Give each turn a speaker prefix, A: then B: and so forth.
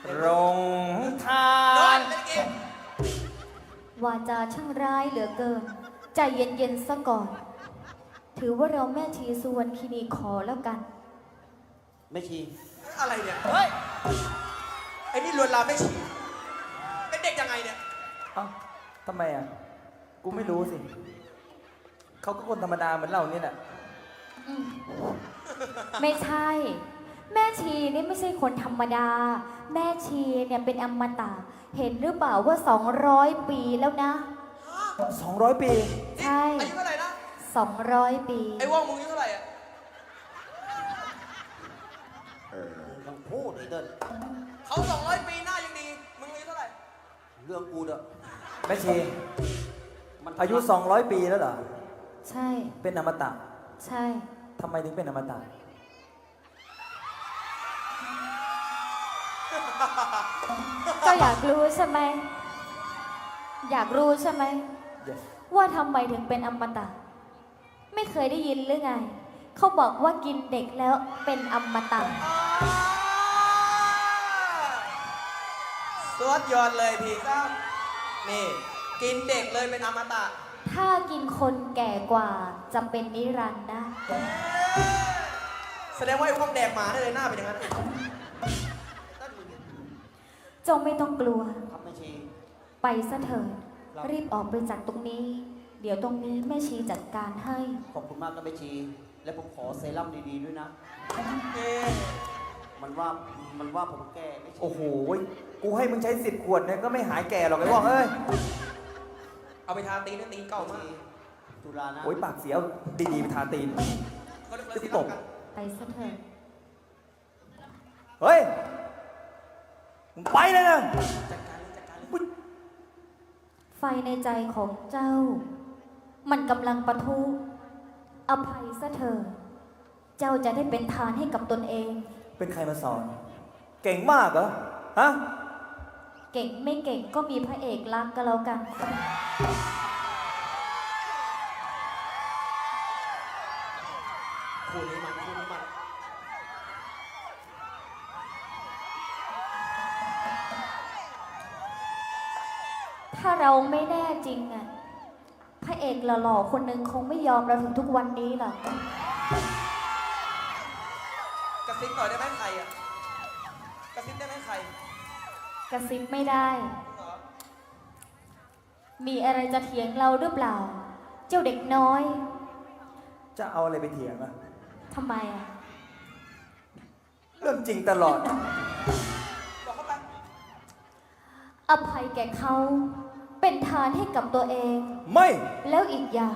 A: รงทาน
B: วาจาช่างร้ายเหลือเกิน ใจเย็นๆซะก่อน ถือว่าเราแม่ชีสุวรรณคีนีขอแล้วกัน
C: ไม่ชี
D: อะไรเนี่ย เฮ้ย ไอ้นี่ลวนลามไม่ฉี่เป็นเด็กยังไงเนี่ย
A: เอ้าทำไมอ่ะ กูไม่รู้สิ เขาก็คนธรรมดาเหมือนเรานี่แหละ
B: ไม่ใช่ แม่ชีนี่ไม่ใช่คนธรรมดา แม่ชีเนี่ยเป็นอมตะ เห็นหรือเปล่าว่า 200 ปีแล้วนะ
A: 200 ปี
B: ใช่
D: อายุเท่าไหร่นะ
B: 200 ปี
D: ไอ้ว่องมึงอายุเท่าไหร่อะ
C: ต้องพูดไอ้เดิน
D: เขา200 ปีหน้ายังดี มึงอายุเท่าไหร่
C: เรื่องกูเด้อ
A: แม่ชี
C: มัน
A: อายุ 200 ปีแล้วเหรอ
B: ใช่
A: เป็นอมตะ
B: ใช่
A: ทำไมถึงเป็นอมตะ
B: ก็อยากรู้ใช่ไหม อยากรู้ใช่ไหม
A: Yes
B: ว่าทำไมถึงเป็นอมตะ ไม่เคยได้ยินหรือไง เขาบอกว่ากินเด็กแล้วเป็นอมตะ
D: สวดยอดเลยพี่ซ้ำนี่ กินเด็กเลยเป็นอมตะ
B: ถ้ากินคนแก่กว่าจะเป็นนิรันดร์นะ
D: แสดงว่าไอ้พวกแดกหมาได้เลยหน้าเป็นอย่างนั้น
B: จงไม่ต้องกลัว
C: ครับไม่ชี
B: ไปซะเถิด รีบออกไปจากตรงนี้ เดี๋ยวตรงนี้แม่ชีจัดการให้
C: ขอบคุณมากครับไม่ชี และผมขอเซรั่มดีๆด้วยนะ
D: เอ๊ะ
C: มันว่าผมแก่ไม่ชี
A: โอ้โห กูให้มึงใช้10 ขวดเนี่ยก็ไม่หายแก่หรอกไอ้ว่องเอ้ย
D: เอาไปทาตีนนะตีนเก่ามาก
C: ตุลานะ
A: โอ้ยปากเสียวดีๆไปทาตีน
D: เขาเรียกว่าสีเหลืองกัน
B: ไปซะเถิด
A: เฮ้ย มึงไปเลยนะ
D: จัดการเลยจัดการเลย
B: ไฟในใจของเจ้า มันกำลังปะทุ อภัยซะเถิด เจ้าจะได้เป็นทานให้กับตนเอง
A: เป็นใครมาสอน เก่งมากเหรอ ฮะ
B: เก่งไม่เก่งก็มีพระเอกรักก็แล้วกัน
D: คู่นี้มันคู่นี้มัน
B: ถ้าเราไม่แน่จริงอะพระเอกหล่อๆคนหนึ่งคงไม่ยอมเราถึงทุกวันนี้หรอก
D: กระซิบหน่อยได้ไหมใครอ่ะ กระซิบได้ไหมใคร
B: กระซิบไม่ได้
D: เหรอ
B: มีอะไรจะเถียงเราหรือเปล่า เจ้าเด็กน้อย
A: จะเอาอะไรไปเถียงอะ
B: ทำไมอะ
A: เรื่องจริงตลอด
D: บอกเข้าไป
B: อภัยแก่เขา เป็นทานให้กับตัวเอง
A: ไม่
B: แล้วอีกอย่าง